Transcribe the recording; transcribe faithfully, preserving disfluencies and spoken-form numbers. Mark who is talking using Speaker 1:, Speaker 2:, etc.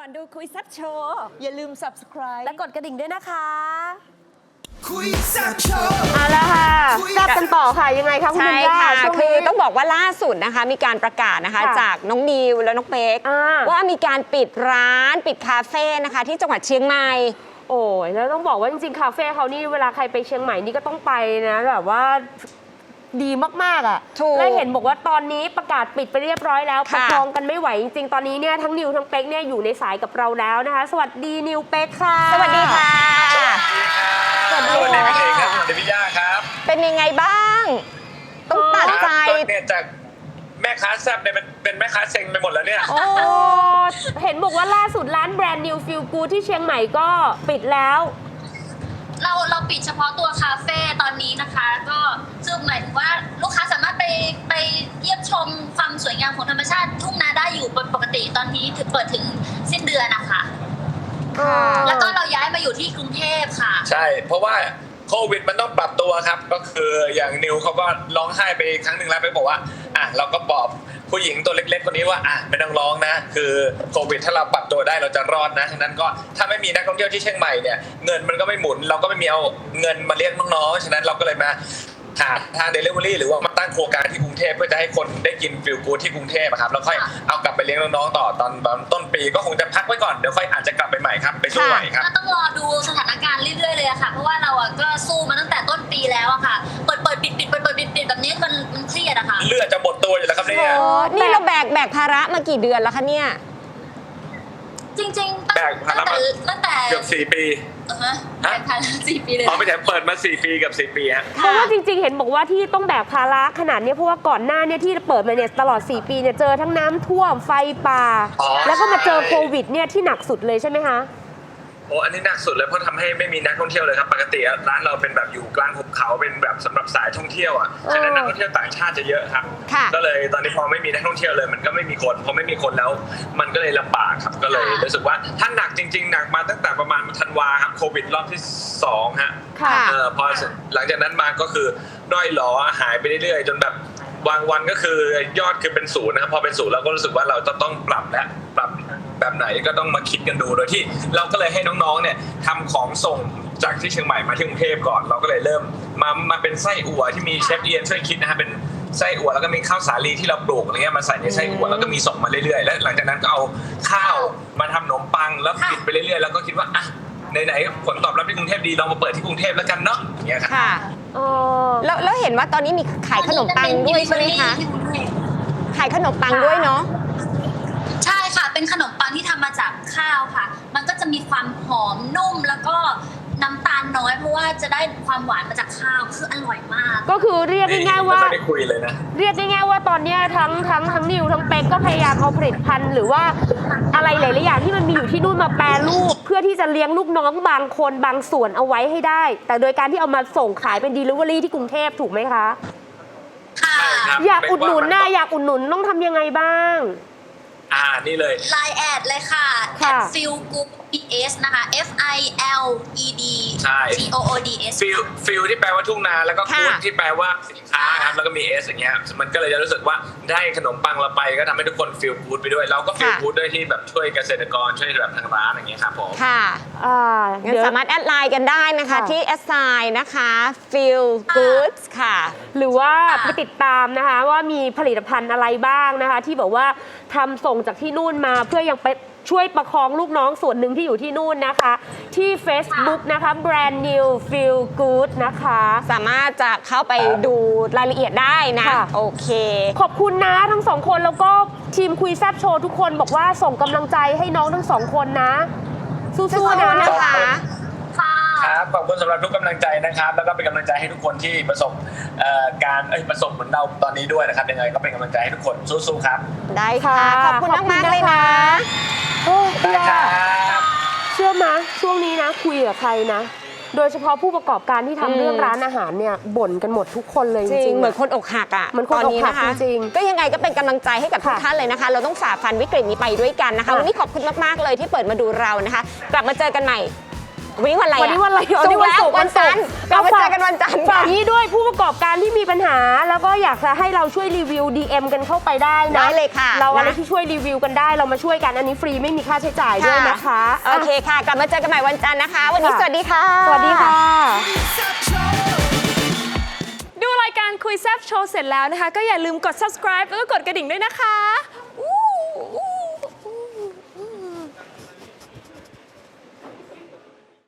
Speaker 1: อนดูคุยแซ่บโชว์อย่าลืม subscribe
Speaker 2: และกดกระดิ่งด้วยนะคะ
Speaker 3: คุยแซ่บโชว์
Speaker 2: เอาละค่ะกลับกันต่อค่ะยังไงคะคุณ
Speaker 4: ใช่
Speaker 2: ธัญญา
Speaker 4: ค่ะ
Speaker 2: ช่วง
Speaker 4: คือ
Speaker 2: นี้
Speaker 4: ต้องบอกว่าล่าสุดนะคะมีการประกาศนะคะ
Speaker 2: ค่ะ
Speaker 4: จากน้องนิวและน้องเป๊ก
Speaker 2: อ่า
Speaker 4: ว่ามีการปิดร้านปิดคาเฟ่นะคะที่จังหวัดเชียงใหม่
Speaker 2: โอ้ยแล้วต้องบอกว่าจริงๆคาเฟ่เขานี่เวลาใครไปเชียงใหม่นี่ก็ต้องไปนะแบบว่าดีมากๆอ่ะ
Speaker 4: ถูก
Speaker 2: และเห็นบอกว่าตอนนี้ประกาศปิดไปเรียบร้อยแล้วป
Speaker 4: ค่ะ
Speaker 2: ระคองกันไม่ไหวจริงๆตอนนี้เนี่ยทั้งนิวทั้งเป๊กเนี่ยอยู่ในสายกับเราแล้วนะคะ สวัสดีนิวเป๊กค่ะ
Speaker 4: สวัสดีค่ะ
Speaker 2: สวัสดี
Speaker 5: สวัสดี
Speaker 2: ค่ะ
Speaker 5: พี่เอกครับสวัสดีพี่ย่าครับ
Speaker 4: เป็นยังไงบ้าง ต้องตัดใจ
Speaker 5: ก็เนี่ยจากแม่ค้าแซ่บเนี่ยมันเป็นแม่ค้าเซ็งไปหมดแล้วเนี่ย
Speaker 2: โอ้เห็นบอกว่าล่าสุดร้านแบรนด์นิวฟิลกูที่เชียงใหม่ก็ปิดแล้ว
Speaker 6: เราเราปิดเฉพาะตัวคาเฟ่ตอนนี้นะคะ ก็คือหมายถึงว่าลูกค้าสามารถไปไปเยี่ยมชมความสวยงามของธรรมชาติทุ่งนาได้อยู่ปกติตอนนี้ถึงเปิดถึงสิ้นเดือนนะคะ
Speaker 4: ค่ะ
Speaker 6: แล้วก็เราย้ายมาอยู่ที่กรุงเทพค่ะ
Speaker 5: ใช่ เพราะว่าโควิดมันต้องปรับตัวครับ ก็คืออย่างนิวเขาก็ร้องไห้ไปครั้งหนึ่งแล้วไปบอกว่าอ่ะเราก็บอกผู้หญิงตัวเล็กๆคนนี้ว่าอ่ะไม่ต้องร้องนะ คือโควิดถ้าเราปรับตัวได้เราจะรอดนะฉะนั้นก็ถ้าไม่มีนักท่องเที่ยวที่เชียงใหม่เนี่ยเงินมันก็ไม่หมุน เราก็ไม่มีเอาเงินมาเลี้ยงน้องๆฉะนั้นเราก็เลยมาหาทางเดลิเวอรี่หรือว่ามาตั้งโครงการที่กรุงเทพเพื่อจะให้คนได้กินฟิลกู๊ดที่กรุงเทพครับแล้วค่อยเอากลับไปเลี้ยงน้องๆต่อตอนต้นปีก็คงจะพักไว้ก่อนเดี๋ยวค่อยอาจจะกลับไปใหม่ครับไปสู้ใหม่ครับ
Speaker 6: ก็ต้องรอดูสถานการณ์เรื่อยๆเลยอะค่ะ เพราะว่าเราอะก็สู้มาตั้งแต่ต้นปีแล้วอะค่ะ เปิดเปิดปิดปิดเปิดเปิดปิดปิดแบบนี้มันมันเครียดอะค่ะ
Speaker 5: เลือดจะหมดตัวอยู่แล้วครับเนี่ย
Speaker 4: โอ้นี่เราแบกแบกภาระมากี่เดือนแล้วคะเนี่ย
Speaker 6: จริงๆตั้ง
Speaker 5: แบกภาระ
Speaker 6: แต่
Speaker 5: มา
Speaker 6: ตั้งแต่
Speaker 5: เกือบสี่ปี
Speaker 6: เออฮะแบกภาระสี่ปีเลย
Speaker 5: อ๋อไม่ใช่เปิดมาสี่ปีกับสี่ปีฮะ
Speaker 2: เพราะว่าจริงๆ เห็นบอกว่าที่ต้องแบกภาระขนาดนี้เพราะว่าก่อนหน้าเนี่ยที่เปิดมาเนี่ยตลอดสี่ปีเนี่ยเจอทั้งน้ำท่วมไฟป่า
Speaker 5: อ๋อ
Speaker 2: แล้วก็มาเจอโควิดเนี่ยที่หนักสุดเลยใช่ไหมคะ
Speaker 5: โอ้อันนี้หนักสุดเลยเพราะทำให้ไม่มีนักท่องเที่ยวเลยครับปกติร้านเราเป็นแบบอยู่กลางหุบเขาเป็นแบบสำหรับสายท่องเที่ยวอ่ะฉะนั้นนักท่องเที่ยวต่างชาติจะเยอะครับ
Speaker 4: ค่ะ
Speaker 5: ก็เลยตอนนี้พอไม่มีนักท่องเที่ยวเลยมันก็ไม่มีคนพอไม่มีคนแล้วมันก็เลยลำบากครับก็เลยรู้สึกว่าถ้าหนักจริงๆหนักมาตั้งแต่ประมาณธันวาครับโควิดรอบที่สองฮะ
Speaker 2: ค่ะ
Speaker 5: เออพอหลังจากนั้นมาก็คือด้อยหลอหายไปเรื่อยๆจนแบบบางวันก็คือยอดคือเป็นศูนย์นะครับพอเป็นศูนย์เราก็รู้สึกว่าเราจะต้องปรับและปรับแบบไหนก็ต้องมาคิดกันดูโดยที่เราก็เลยให้น้องๆเนี่ยทำของส่งจากที่เชียงใหม่มาที่กรุงเทพก่อนเราก็เลยเริ่มมามาเป็นไส้อั่วที่มีเชฟเอียนช่วยคิดนะฮะเป็นไส้อั่วแล้วก็มีข้าวสาลีที่เราปลูกอะไรเงี้ยมาใส่ในไส้อั่วแล้วก็มีส่งมาเรื่อยๆและหลังจากนั้นก็เอาข้าวมาทำขนมปังแล้วปิดไปเรื่อยๆแล้วก็คิดว่าอ่ะไหนๆผลตอบรับที่กรุงเทพดีลองมาเปิดที่กรุงเทพแล้วกันเนาะอย่างเงี้ยครับ
Speaker 4: ค่ะ
Speaker 2: อ๋อ
Speaker 4: แล้วแล้วเห็นว่าตอนนี้มีขายขนมปังด้วยใช่ไหมคะ ขายขนมปังด้วยเนาะ
Speaker 6: ใช่ค่ะ เป็นขนมปังที่ทำมาจากข้าวค่ะ มันก็จะมีความหอมนุ่มแล้วก็น้ำตาลน้อยเพราะว่าจะได้ความหวานมาจากข้าวคืออร่อยมาก
Speaker 2: ก็คือเรียกง่ายๆว่า
Speaker 5: ไม่ได้คุยเลยนะ
Speaker 2: เรียกง่ายๆว่าตอนเนี้ยทั้งทั้งทั้งนิวทั้งเป๊กก็พยายามเอาผลิตภัณฑ์หรือว่าอะไรหลายๆอย่างที่มันมีอยู่ที่นู่นมาแปรรูป เพื่อที่จะเลี้ยงลูกน้องบางคนบางส่วนเอาไว้ให้ได้ แต่โดยการที่เอามาส่งขายเป็น delivery ที่กรุงเทพถูกไหมคะ
Speaker 6: ค่ะ
Speaker 5: ใช่ครับ
Speaker 2: อยากอุดหนุนนะอยากอุดหนุนต้องทำยังไงบ้าง
Speaker 5: อ่านี่เลย
Speaker 6: ไลน์แอดเลยค่ะ
Speaker 2: ค่ะ
Speaker 6: แอด feel good ds นะคะ f i l e d
Speaker 5: ใช่
Speaker 6: t o o d s
Speaker 5: ฟิลฟิลที่แปลว่าทุ่งนาแล้วก็
Speaker 4: ค่ะ
Speaker 5: กู๊ดที่แปลว่าสินค้าครับแล้วก็มีเอสอย่างเงี้ยมันก็เลยจะรู้สึกว่าได้ขนมปังเราไปก็ทำให้ทุกคนฟิลกู๊ดไปด้วยเราก็ฟิลกู๊ดด้วยที่แบบช่วยเกษตรกรช่วยแบบทางร้านอย่างเงี้ยครับผม
Speaker 4: ค่ะ
Speaker 2: อ่า
Speaker 4: งั้น
Speaker 2: เดี๋ยว
Speaker 4: สามารถแอดไลน์กันได้นะคะ
Speaker 2: ค่ะ
Speaker 4: ที่แอดไซน์นะคะ feel goods ค่ะ
Speaker 2: หรือว่าไปติดตามนะคะว่ามีผลิตภัณฑ์อะไรบ้างนะคะ ที่แบบว่าทำส่งจากที่นู่นมาเพื่อยังไปช่วยประคองลูกน้องส่วนหนึ่งที่อยู่ที่นู่นนะคะ ที่ Facebook นะคะ Brand New Feel Good นะคะ
Speaker 4: สามารถจะเข้าไปดูรายละเอียดได้นะ
Speaker 2: ค่ะ
Speaker 4: โอเค
Speaker 2: ขอบคุณนะทั้งสองคนแล้วก็ทีมคุยแซบโชว์ทุกคนบอกว่าส่งกำลังใจให้น้องทั้งสองคนนะ สู้ๆนะ
Speaker 4: นะคะ
Speaker 6: ค่ะ
Speaker 5: ครับขอบคุณสำหรับทุกกำลังใจนะครับ แล้วก็เป็นกำลังใจให้ทุกคนที่ประสบเอ่อการเอ้ยประสบเหมือนเราตอนนี้ด้วยนะครับยังไงก็เป็นกำลังใจให้ทุกคนสู้ๆครับ
Speaker 4: ได้ค่ะ ขอบคุณมากๆเลยนะ
Speaker 2: โอ้ย
Speaker 5: ได้ครับ
Speaker 2: เชื่อไหมช่วงนี้นะคุยกับใครนะ โดยเฉพาะผู้ประกอบการที่ทำ
Speaker 4: อืม
Speaker 2: เรื่องร้านอาหารเนี่ยบ่นกันหมดทุกคนเลยจ
Speaker 4: จริ
Speaker 2: ริ
Speaker 4: ง
Speaker 2: งๆ
Speaker 4: เหมือน
Speaker 2: อะ
Speaker 4: คนอกหักอ่ะ
Speaker 2: เหมือนคน
Speaker 4: ต
Speaker 2: อกหัก
Speaker 4: ะะ
Speaker 2: จริงๆ
Speaker 4: ก็ยังไงก็เป็นกำลังใจให้กับทุก
Speaker 2: ค่ะ
Speaker 4: ท่านเลยนะคะ เราต้องฝ่าฟันวิกฤตนี้ไปด้วยกันนะคะ
Speaker 2: ค่ะ
Speaker 4: วันนี้ขอบคุณมากๆเลยที่เปิดมาดูเรานะคะ กลับมาเจอกันใหม่วันนี้วันอะไรอะ
Speaker 2: วันนี้วันอะไร
Speaker 4: ศุกร์แล้ว
Speaker 2: วั
Speaker 4: วัน น
Speaker 2: ศุ
Speaker 4: จั
Speaker 2: ก
Speaker 4: นท
Speaker 2: ร์
Speaker 4: ร์เรามาเจอกันวันจันทร์
Speaker 2: ฝา
Speaker 4: ค่ะ
Speaker 2: กนี้ด้วยผู้ประกอบการที่มีปัญหา แล้วก็อยากจะให้เราช่วยรีวิว ดี เอ็ม กันเข้าไปได้นะ
Speaker 4: ได้เลยค่ะ
Speaker 2: เราอะไร
Speaker 4: นะ
Speaker 2: ที่ช่วยรีวิวกันได้เรามาช่วยกันอันนี้ฟรีไม่มีค่าใช้จ่ายด้วยนะคะ
Speaker 4: โอเคค่ะ กลับมาเจอกันใหม่วันจันทร์นะคะ วันนี้
Speaker 2: ค่ะ
Speaker 4: สวัสดีค่ะ
Speaker 2: สวัสดีค่ะ
Speaker 1: ดูรายการคุยแซบโชว์เสร็จแล้วนะคะ ก็อย่าลืมกด subscribe แล้วก็กดกระดิ่งด้วยนะคะอู้อู้